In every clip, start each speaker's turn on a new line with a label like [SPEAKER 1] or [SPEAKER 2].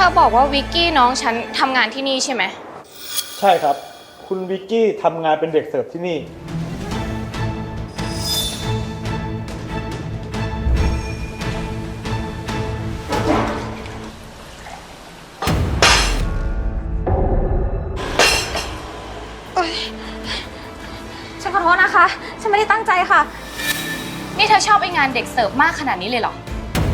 [SPEAKER 1] อบอกว่าวิกกี้น้องฉันทำงานที่นี่ใช่ไหม
[SPEAKER 2] ใช่ครับคุณวิกกี้ทำงานเป็นเด็กเสิร์ฟที่นี่
[SPEAKER 3] ฉันขอโทษนะคะฉันไม่ได้ตั้งใจค่ะ
[SPEAKER 1] นี่เธอชอบไองานเด็กเสิร์ฟมากขนาดนี้เลยเหรอ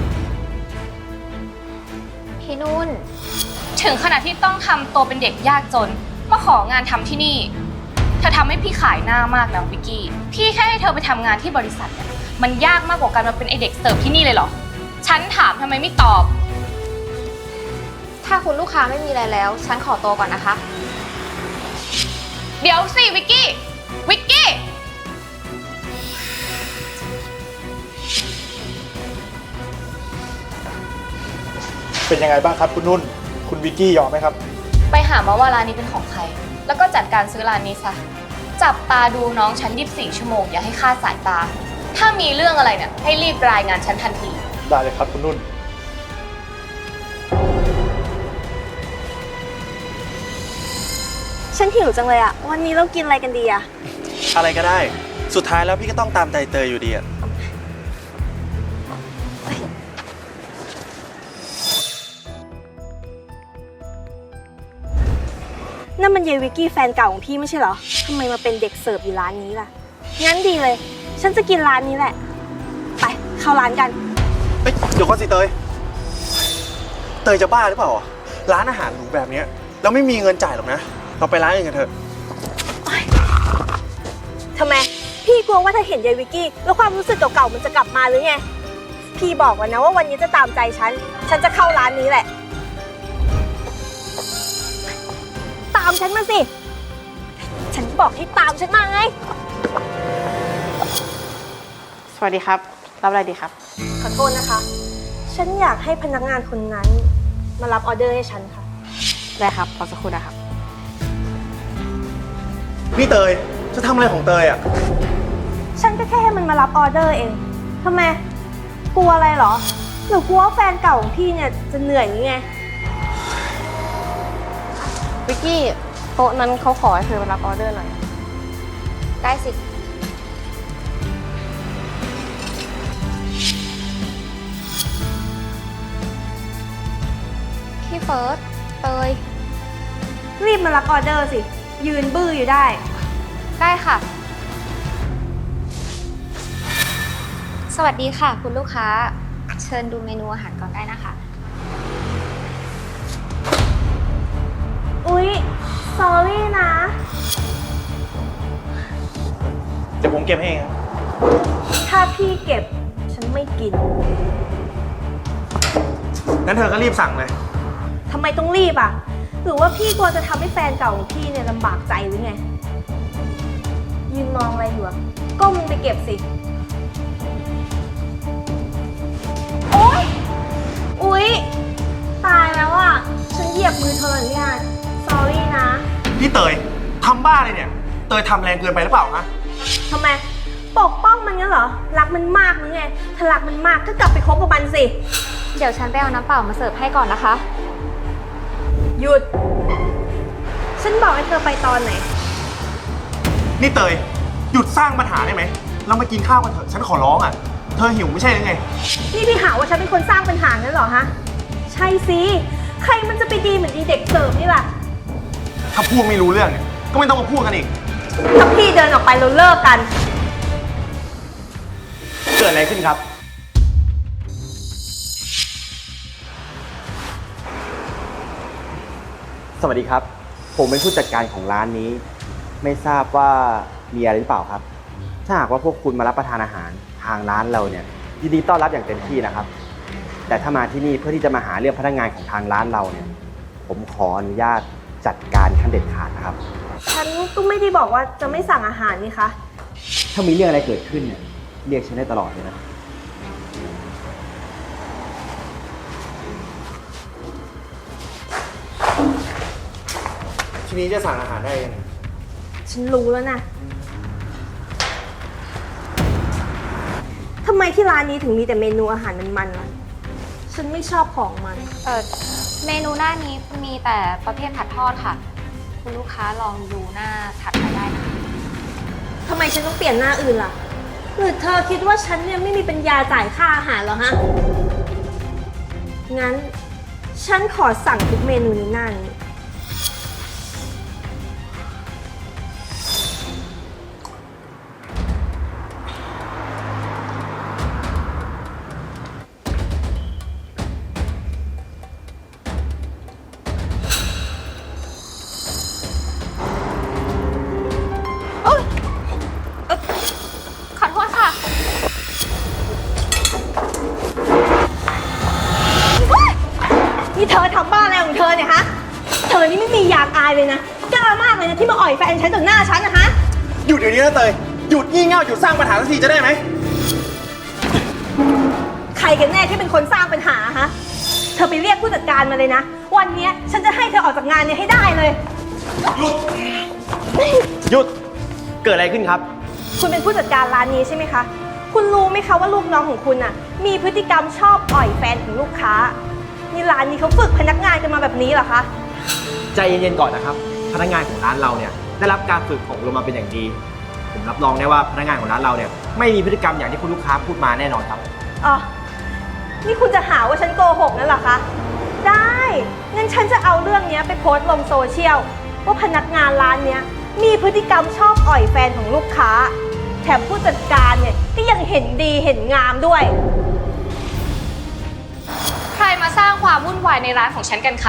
[SPEAKER 3] พี่นุ่น
[SPEAKER 1] ถึงขนาดที่ต้องทำตัวเป็นเด็กยากจนมาของานทำที่นี่เธอทำให้พี่ขายหน้ามากนะวิกกี้พี่แค่ให้เธอไปทำงานที่บริษัทเนี่ยมันยากมากกว่าการมาเป็นไอเด็กเสิร์ฟที่นี่เลยเหรอฉันถามทำไมไม่ตอบ
[SPEAKER 3] ถ้าคุณลูกค้าไม่มีอะไรแล้วฉันขอตัวก่อนนะคะ
[SPEAKER 1] เดี๋ยวสิวิกกี้วิกกี้
[SPEAKER 2] เป็นยังไงบ้างครับคุณนุ่นคุณวิกกี้ยอมไหมครับ
[SPEAKER 1] ไปหามาว่าร้านนี้เป็นของใครแล้วก็จัดการซื้อร้านนี้ซะจับตาดูน้องฉัน24 ชั่วโมงอย่าให้คลาดสายตาถ้ามีเรื่องอะไรเนี่ยให้รีบรายงานฉันทันที
[SPEAKER 2] ได้เลยครับคุณนุ่น
[SPEAKER 3] ฉันหิวจังเลยอะวันนี้เรากินอะไรกันดีอะ
[SPEAKER 4] อะไรก็ได้สุดท้ายแล้วพี่ก็ต้องตามใจเตยอยู่ดีอะ
[SPEAKER 3] นั่นมันเยวิกกี้แฟนเก่าของพี่ไม่ใช่เหรอทำไมมาเป็นเด็กเสิร์ฟอยู่ร้านนี้ล่ะงั้นดีเลยฉันจะกินร้านนี้แหละไปเข้าร้านกัน
[SPEAKER 4] เฮ้ยเดี๋ยวก่อนสิเตยจะบ้าหรือเปล่าร้านอาหารหรูแบบนี้เราไม่มีเงินจ่ายหรอกนะเราไปร้านอื่นกันเถอะ
[SPEAKER 3] ทำไมพี่กลัวว่าถ้าเห็นยายวิกกี้แล้วความรู้สึกเก่าๆมันจะกลับมาหรือไงพี่บอกแล้วนะว่าวันนี้จะตามใจฉันจะเข้าร้านนี้แหละตามฉันมาสิฉันบอกให้ตามฉันมาไง
[SPEAKER 5] สวัสดีครับรับอะไรดีครับ
[SPEAKER 3] ขอโทษนะคะฉันอยากให้พนักงานคนนั้นมารับออเดอร์ให้ฉันค่ะ
[SPEAKER 5] ได้ครับรอสักครู่นะครับ
[SPEAKER 4] นี่เตยจะทำอะไรของเตยอ่ะ
[SPEAKER 3] ฉันก็แค่ให้มันมารับออเดอร์เองทำไมกลัวอะไรเหรอหรือกลัวว่าแฟนเก่าของพี่เนี่ยจะเหนื่อยหรือไง
[SPEAKER 5] วิกกี้โต๊ะนั้นเขาขอให้เธอมารับออเดอร์หน่อย
[SPEAKER 3] ได้สิพี่เฟิร์สเตยรีบมารับออเดอร์สิยืนบื้ออยู่ได้ค่ะสวัสดีค่ะคุณลูกค้าเชิญดูเมนูอาหารก่อนได้นะคะอุ๊ย sorry นะ
[SPEAKER 4] เดี๋ยวผมเก็บให้เองครับ
[SPEAKER 3] ถ้าพี่เก็บฉันไม่กิน
[SPEAKER 4] งั้นเธอก็รีบสั่งเลย
[SPEAKER 3] ทำไมต้องรีบอ่ะหรือว่าพี่กลัวจะทำให้แฟนเก่าของพี่เนี่ยลำบากใจหรือไงยืนมองอะไรอยู่อ่ะก้มไปเก็บสิโอ๊ยอุ๊ยตายแล้วอ่ะฉันเหยียบมือเธอเนี่ย sorry นะ
[SPEAKER 4] พี่เตยทำบ้าเลยเนี่ยเตยทำแรงเกินไปหรือเปล่าฮะ
[SPEAKER 3] ทำไมปกป้องมันงั้นเหรอรักมันมากหรือไงถ้ารักมันมากก็กลับไปคบกับมันสิเดี๋ยวฉันไปเอาน้ำเปล่ามาเสิร์ฟให้ก่อนนะคะหยุดฉันบอกให้เธอไปตอนไหน
[SPEAKER 4] นี่เตยหยุดสร้างปัญหาได้ไหมเรามากินข้าวกันเถอะฉันขอร้องอ่ะเธอหิวไม่ใช่หรือไง
[SPEAKER 3] นี่พี่หาว่าฉันเป็นคนสร้างปัญหางั้นเหรอฮะใช่สิใครมันจะไปดีเหมือนดีเด็กเสิร์ฟนี่ล่ะ
[SPEAKER 4] ถ้าพูดไม่รู้เรื่องเนี่ยก็ไม่ต้องมาพูดกันอีก
[SPEAKER 3] ถ้าพี่เดินออกไปเราเลิกกัน
[SPEAKER 4] เกิดอะไรขึ้นครับ
[SPEAKER 6] สวัสดีครับผมเป็นผู้จัดการของร้านนี้ไม่ทราบว่ามีอะไรหรือเปล่าครับถ้าหากว่าพวกคุณมารับประทานอาหารทางร้านเราเนี่ยยินดีต้อนรับอย่างเต็มที่นะครับแต่ถ้ามาที่นี่เพื่อที่จะมาหาเรื่องพนักงานของทางร้านเราเนี่ยผมขออนุญาตจัดการขั้นเด็ดขาดนะครับ
[SPEAKER 3] ฉันก็ไม่ได้บอกว่าจะไม่สั่งอาหารนี่คะ
[SPEAKER 6] ถ้ามีเรื่องอะไรเกิดขึ้นเนี่ยเรียกฉันได้ตลอดเลยนะ
[SPEAKER 4] ทีนี้จะสั่งอาหารได้ยัง
[SPEAKER 3] ฉันรู้แล้วนะทำไมที่ร้านนี้ถึงมีแต่เมนูอาหารมันๆล่ะฉันไม่ชอบของมัน
[SPEAKER 1] เมนูหน้านี้มีแต่ประเภทผัดทอดค่ะ คุณลูกค้าลองดูหน้าถัดไปได้นะคะ
[SPEAKER 3] ทำไมฉันต้องเปลี่ยนหน้าอื่นล่ะ หรือเธอคิดว่าฉันเนี่ยไม่มีปัญญาจ่ายค่าอาหารเหรอฮะ งั้น ฉันขอสั่งทุกเมนูในหน้านี้
[SPEAKER 1] ขอโทษค่ะ
[SPEAKER 3] นี่เธอทำบ้าอะไรของเธอเนี่ยฮะ เธอนี่ไม่มียางอายเลยนะ กล้ามากเลยนะที่มาอ่อยแฟนฉันต่อหน้าฉันนะคะ
[SPEAKER 4] หยุดเดี๋ยวนี้นะเตย หยุดงี่เง่าหยุดสร้างปัญหาสักทีจะได้ไหม
[SPEAKER 3] ใครกันแน่ที่เป็นคนสร้างปัญหาฮะ เธอไปเรียกผู้จัดการมาเลยนะ วันเนี้ยฉันจะให้เธอออกจากงานเนี่ยให้ได้เลย
[SPEAKER 4] หยุด เกิดอะไรขึ้นครับ
[SPEAKER 3] คุณเป็นผู้จัดการร้านนี้ใช่ไหมคะ คุณรู้ไหมคะว่าลูกน้องของคุณน่ะ มีพฤติกรรมชอบอ่อยแฟนของลูกค้า นี่ร้านนี้เขาฝึกพนักงานกันมาแบบนี้เหรอคะ
[SPEAKER 6] ใจเย็นๆก่อนนะครับ พนักงานของร้านเราเนี่ยได้รับการฝึกอบรมมาเป็นอย่างดี ผมรับรองได้ว่าพนักงานของร้านเราเนี่ยไม่มีพฤติกรรมอย่างที่คุณลูกค้าพูดมาแน่นอนครับ
[SPEAKER 3] อ๋อ นี่คุณจะหาว่าฉันโกหกนั่นเหรอคะ ได้ งั้นฉันจะเอาเรื่องนี้ไปโพสต์ลงโซเชียลว่าพนักงานร้านเนี้ยมีพฤติกรรมชอบอ่อยแฟนของลูกค้า แถมผู้จัดการเนี่ยก็ยังเห็นดีเห็นงามด้วย
[SPEAKER 1] ใครมาสร้างความวุ่นวายในร้านของฉันกันคะ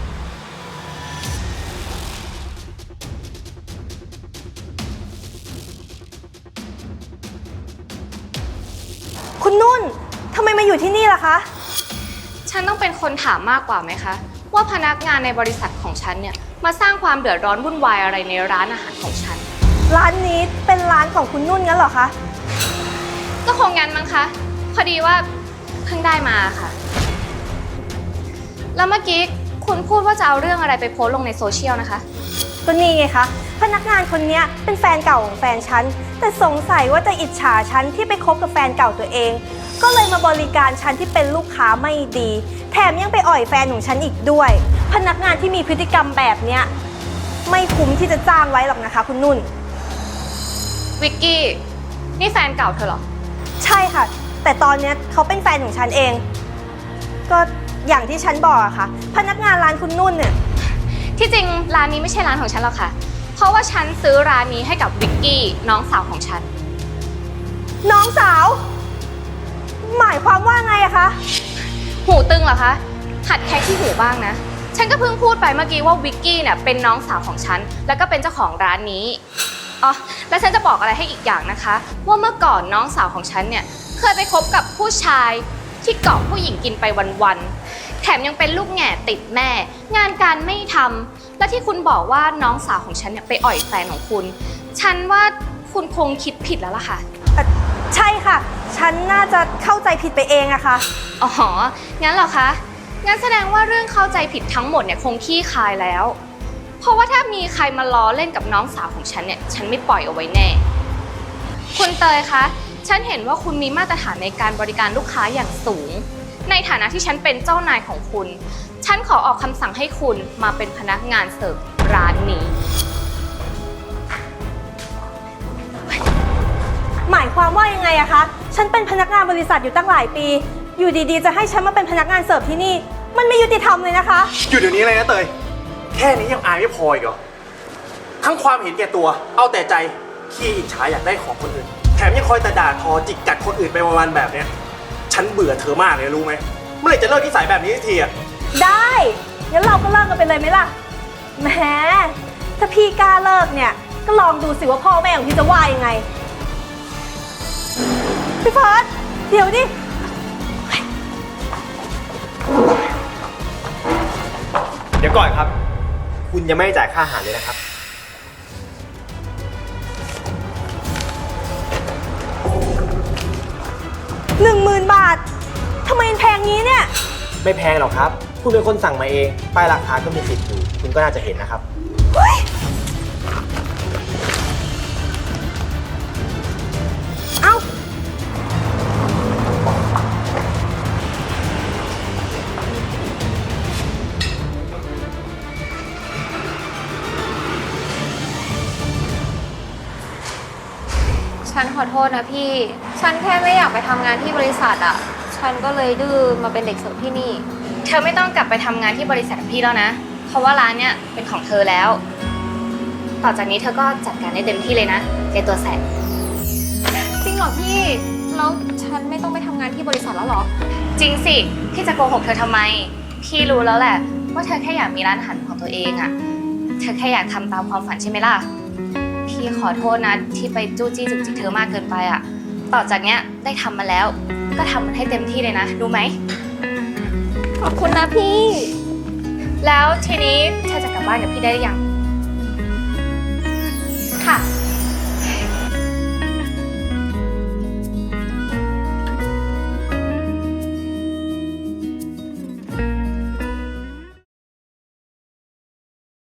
[SPEAKER 3] คุณนุ่น ทำไมมาอยู่ที่นี่ล่ะคะ
[SPEAKER 1] ฉันต้องเป็นคนถามมากกว่าไหมคะ ว่าพนักงานในบริษัทของฉันเนี่ยมาสร้างความเดือดร้อนวุ่นวายอะไรในร้านอาหารของฉัน
[SPEAKER 3] ร้านนี้เป็นร้านของคุณนุ่นงั้นเหรอคะ
[SPEAKER 1] ก็คงงั้นมั้งคะ พอดีว่าเพิ่งได้มาค่ะ แล้วเมื่อกี้คุณพูดว่าจะเอาเรื่องอะไรไปโพสต์ลงในโซเชียลนะคะ
[SPEAKER 3] ก็นี่ไงคะ พนักงานคนนี้เป็นแฟนเก่าของแฟนฉัน แต่สงสัยว่าจะอิจฉาฉันที่ไปคบกับแฟนเก่าตัวเอง ก็เลยมาบริการฉันที่เป็นลูกค้าไม่ดี แถมยังไปอ่อยแฟนของฉันอีกด้วย พนักงานที่มีพฤติกรรมแบบเนี้ยไม่คุ้มที่จะจ้างไว้หรอกนะคะ คุณนุ่น
[SPEAKER 1] วิกกี้ นี่แฟนเก่าเธอเหรอ
[SPEAKER 3] ใช่ค่ะ แต่ตอนเนี้ยเขาเป็นแฟนของฉันเอง ก็อย่างที่ฉันบอกอะค่ะ พนักงานร้านคุณนุ่นเนี่ย
[SPEAKER 1] ที่จริงร้านนี้ไม่ใช่ร้านของฉันหรอกค่ะ เพราะว่าฉันซื้อร้านนี้ให้กับวิกกี้น้องสาวของฉัน
[SPEAKER 3] น้องสาว หมายความว่าไงอะคะ
[SPEAKER 1] หูตึงเหรอคะ หัดแคะที่หูบ้างนะ ฉันก็เพิ่งพูดไปเมื่อกี้ว่าวิกกี้เนี่ยเป็นน้องสาวของฉัน แล้วก็เป็นเจ้าของร้านนี้ อ๋อ และฉันจะบอกอะไรให้อีกอย่างนะคะ ว่าเมื่อก่อนน้องสาวของฉันเนี่ยเคยไปคบกับผู้ชายที่เกาะผู้หญิงกินไปวันๆ แถมยังเป็นลูกแง่ติดแม่ งานการไม่ทำ และที่คุณบอกว่าน้องสาวของฉันเนี่ยไปอ่อยแฟนของคุณ ฉันว่าคุณคงคิดผิดแล้วล่ะค่ะ
[SPEAKER 3] ใช่ค่ะ ฉันน่าจะเข้าใจผิดไปเองอะค่ะ
[SPEAKER 1] อ๋อ งั้นเหรอคะ งั้นแสดงว่าเรื่องเข้าใจผิดทั้งหมดเนี่ยคงขี้คายแล้ว เพราะว่าถ้ามีใครมาล้อเล่นกับน้องสาวของฉันเนี่ย ฉันไม่ปล่อยเอาไว้แน่ คุณเตยคะ ฉันเห็นว่าคุณมีมาตรฐานในการบริการลูกค้าอย่างสูง ในฐานะที่ฉันเป็นเจ้านายของคุณ ฉันขอออกคำสั่งให้คุณมาเป็นพนักงานเสิร์ฟร้านนี้
[SPEAKER 3] หมายความว่ายังไงอะคะ ฉันเป็นพนักงานบริษัทอยู่ตั้งหลายปี อยู่ดีๆ จะให้ฉันมาเป็นพนักงานเสิร์ฟที่นี่ มันไม่ยุติธรรมเลยนะคะ
[SPEAKER 4] หยุดเดี๋ยวนี้เลยนะเตย แค่นี้ยังอายไม่พออีกเหรอ ทั้งความเห็นแก่ตัว เอาแต่ใจขี้อิจฉาอยากได้ของคนอื่น แถมยังคอยแต่ด่าทอจิกกัดคนอื่นไปวันๆแบบเนี้ย ฉันเบื่อเธอมากเลยรู้ไหม เมื่อไหร่จะเลิกนิสัยแบบนี้สักทีอะ
[SPEAKER 3] ได้ งั้นเราก็เลิกกันไปเลยไหมล่ะ แหม ถ้าพี่กล้าเลิกเนี่ย ก็ลองดูสิว่าพ่อแม่ของพี่จะว่ายังไง พี่เฟิร์สเดี๋ยวดิ
[SPEAKER 6] เดี๋ยวก่อนครับ คุณยังไม่ได้จ่ายค่าอาหารเลยนะครับ
[SPEAKER 3] 10,000 บาท ทำไมมันแพงงี้เนี่ย
[SPEAKER 6] ไม่แพงหรอกครับ คุณเป็นคนสั่งมาเอง ป้ายราคาก็มีติดอยู่ คุณก็น่าจะเห็นนะครับ
[SPEAKER 3] เฮ้ย เอ้า
[SPEAKER 6] น
[SPEAKER 5] ฉันขอโทษนะพี่ ฉันแค่ไม่อยากไปทำงานที่บริษัทอะฉันก็เลยดื้อมาเป็นเด็กเสิร์ฟที่นี่
[SPEAKER 1] เธอไม่ต้องกลับไปทำงานที่บริษัทกับพี่แล้วนะ เพราะว่าร้านเนี่ยเป็นของเธอแล้ว ต่อจากนี้เธอก็จัดการได้เต็มที่เลยนะในตัวแสบ
[SPEAKER 5] จริงเหรอพี่ แล้วฉันไม่ต้องไปทำงานที่บริษัทแล้วเหรอ
[SPEAKER 1] จริงสิ พี่จะโกหกเธอทำไม พี่รู้แล้วแหละ ว่าเธอแค่อยากมีร้านอาหารของตัวเองอะเธอแค่อยากทำตามความฝันใช่ไหมล่ะ พี่ขอโทษนะที่ไปจู้จี้จุกจิกเธอมากเกินไปอะต่อจากเนี้ยได้ทำมาแล้ว ก็ทำมันให้เต็มที่เลยนะรู้ไหม
[SPEAKER 5] ขอบคุณนะพี่
[SPEAKER 1] แล้วทีนี้เธอจะกลับบ้านกับพี่ได้หรือยัง